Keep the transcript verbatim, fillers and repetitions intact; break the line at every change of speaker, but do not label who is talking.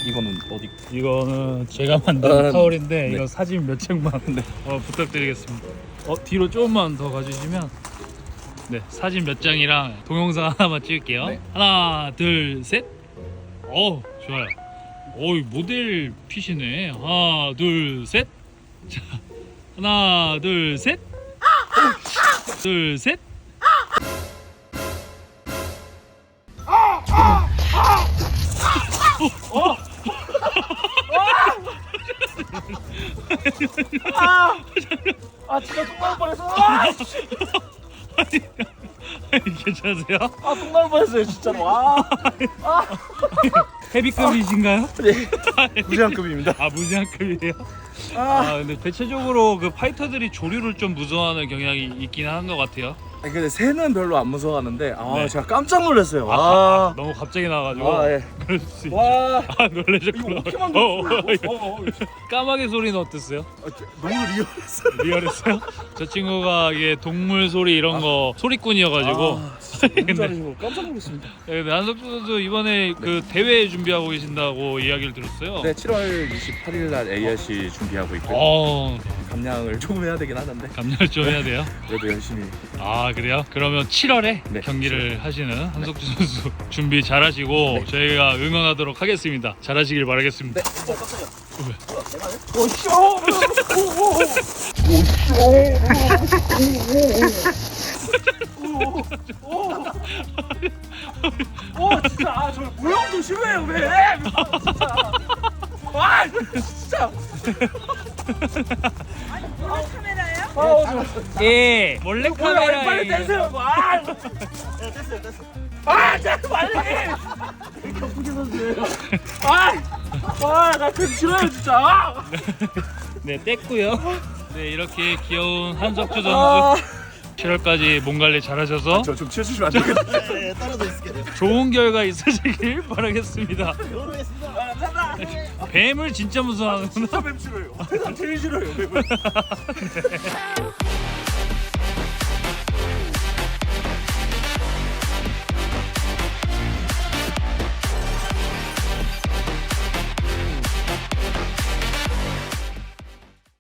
이거는 어디?
이거는 제가 만든
아,
타월인데
네.
이거 사진 몇 장만
네.
어, 부탁드리겠습니다. 어, 뒤로 조금만 더 가주시면 네 사진 몇 장이랑 동영상 하나만 찍을게요.
네.
하나 둘 셋. 어 좋아요. 어이 모델 핏이네. 하나 둘 셋. 자 하나 둘 셋. 둘 셋.
아 진짜 똥 나올 뻔했어.
괜찮으세요?
아똥 나올 뻔했어요 진짜로. 아,
헤비급이신가요?
네. 무제한급입니다.
아 무제한급이에요?
아,
아 근데 대체적으로 그 파이터들이 조류를 좀 무서워하는 경향이 있긴 한 것 같아요.
아니, 근데 새는 별로 안 무서워하는데 아
네.
제가 깜짝 놀랐어요.
아,
아,
너무 갑자기 나와가지고
아, 예.
그럴 수 있죠.
와,
아 놀라셨구나.
이거 어떻게
어, 어,
만들었어요?
어.
어, 어,
까마귀 소리는 어땠어요?
어, 저- 너무 리얼했어요.
리얼했어요? 저 친구가 이게 동물 소리 이런 거 소리꾼이어가지고
아, 진짜
근데-
너무 잘하시고 깜짝 놀랐습니다.
네, 근데 한석주 선수 이번에 그 대회 준비하고 계신다고 이야기를 들었어요.
네, 칠월 이십팔일 날 에이알씨 준비하고 있고요.
어
감량을 조금 해야 되긴 하는데
감량을 좀 해야 돼요.
그래도 열심히.
아 그래요? 그러면 칠월에
네,
경기를 하시는 한석주 선수 준비 잘하시고
네.
저희가 응원하도록 하겠습니다. 잘하시길 바라겠습니다.
네. 어, 깜짝이야.
왜?
오, 쇼! 오, 오, 오, 오, 오, 진짜 아, 저 모형도 싫어해요 왜? 아, 진짜. 아, 진짜.
몰래 카메라예요?
아, 저
예 몰래
뭐야, 빨리 떼세요. 아, 떼세요, 떼세요. 아, 진짜 빨리. 경기 선수예요. 아, 아, 나 그 싫어요 진짜. 아.
네 뗐고요. 네 이렇게 귀여운 한석주 선수
아,
칠월까지 몸 관리 잘하셔서
저좀 치워주시면 안 되겠어요?
네, 떨어져 있을게요.
좋은 결과 있으시길 바라겠습니다.
모르겠습니다.
아, 감사합니다.
뱀을 진짜 무서워하는구나.
진짜 뱀 싫어요. 세상 제일 싫어요 뱀을.